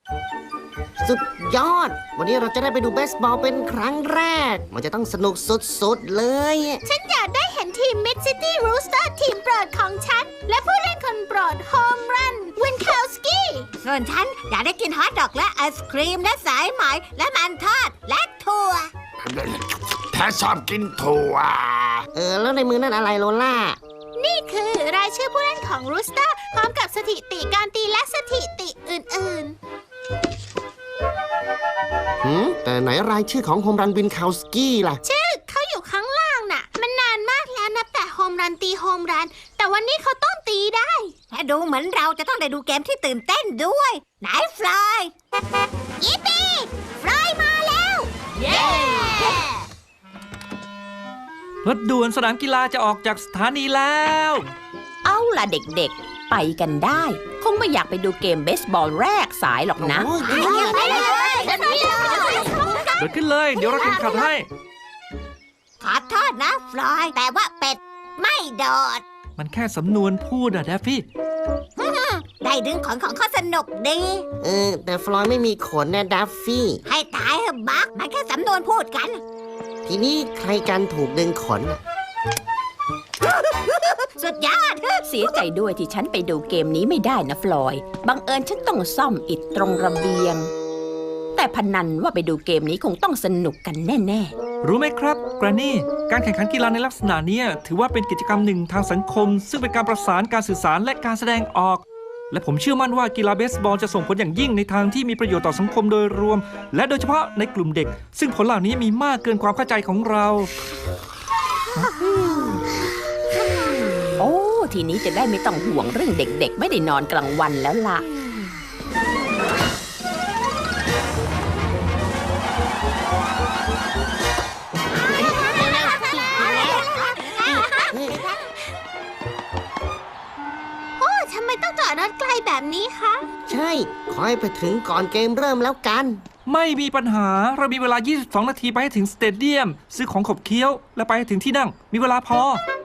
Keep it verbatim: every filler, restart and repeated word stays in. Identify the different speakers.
Speaker 1: สุดยอด วันนี้เราจะได้ไปดูเบสบอลเป็นครั้งแรก มันจะต้องสนุกสุดๆเลย
Speaker 2: ฉันอยากได้เห็นทีม Mid City Rooster ทีมโปรดของฉัน และผู้เล่นคนโปรดโฮมรันวินคาวสกี้ส่วนฉันอยากได้กินฮอทดอกและไอศครีมและสายไหมและมันทอดและถั่ว
Speaker 3: แท้ชอบกินถั่ว
Speaker 1: เออ แล้วในมือนั่นอะไรโลล่า
Speaker 2: นี่คือรายชื่อผู้เล่นของ Rooster พร้อมกับสถิติการตีและสถิติอื่นๆ
Speaker 1: หืม แต่ไหนรายชื่อของโฮมรันวินคาวสกี้ล่ะ
Speaker 2: ชื่อเขาอยู่ข้างล่างน่ะ มันนานมากแล้วนับแต่โฮมรันตีโฮมรัน แต่วันนี้เขาต้องตีได้และดูเหมือนเราจะต้องได้ดูเกมที่ตื่นเต้นด้วย ไหนฟลอยยิปปี้ฟลอยมาแล้ว เย้
Speaker 4: รถด่วนสนามกีฬาจะออกจากสถานีแล้ว
Speaker 5: เอาล่ะเด็กๆ ไปกันได้ คงไม่อยากไปดูเกมเบสบอลแรกสายหรอกนะ
Speaker 1: โอ้ย
Speaker 2: ไปเลยไปเลยไปเลย
Speaker 4: เดินขึ้นเลย เดี๋ยวเราแข่งขันให้
Speaker 2: ขอโทษนะฟลอย แต่ว่าเป็ดไม่โดด
Speaker 4: มันแค่สำนวนพูดอะแดฟฟี่
Speaker 2: ได้ดึงขนของเขาสนุกดี
Speaker 1: เออ แต่ฟลอยไม่มีขนนะดัฟฟี่
Speaker 2: ให้ตายเถอะบักมันแค่สำนวนพูดกัน
Speaker 1: ทีนี้ใครกันถูกดึงขน
Speaker 2: สุดยอด
Speaker 5: เสียใจด้วยที่ฉันไปดูเกมนี้ไม่ได้นะฟลอย บังเอิญฉันต้องซ่อมอิฐตรงระเบียง แต่พนันว่าไปดูเกมนี้คงต้องสนุกกันแน่
Speaker 4: รู้ไหมครับแกรนนี่ การแข่งขันกีฬาในลักษณะนี้ถือว่าเป็นกิจกรรมหนึ่งทางสังคม ซึ่งเป็นการประสานการสื่อสารและการแสดงออก และผมเชื่อมั่นว่ากีฬาเบสบอลจะส่งผลอย่างยิ่งในทางที่มีประโยชน์ต่อสังคมโดยรวม และโดยเฉพาะในกลุ่มเด็ก ซึ่งผลเหล่านี้มีมากเกินความเข้าใจของเรา
Speaker 5: ๆ โอ้ ทีนี้จะได้ไม่ต้องห่วงเรื่องเด็กๆ ไม่ได้นอนกลางวันแล้วล่ะ
Speaker 2: โอ้ทำไมต้องจอดรถไกลแบบนี้คะ
Speaker 1: ใช่ ขอให้ไปถึงก่อนเกมเริ่มแล้วกัน
Speaker 4: ไม่มีปัญหา เรามีเวลา ยี่สิบสอง นาทีไปให้ถึงสเตเดียม ซื้อของขบเคี้ยว และไปให้ถึงที่นั่ง มีเวลาพอ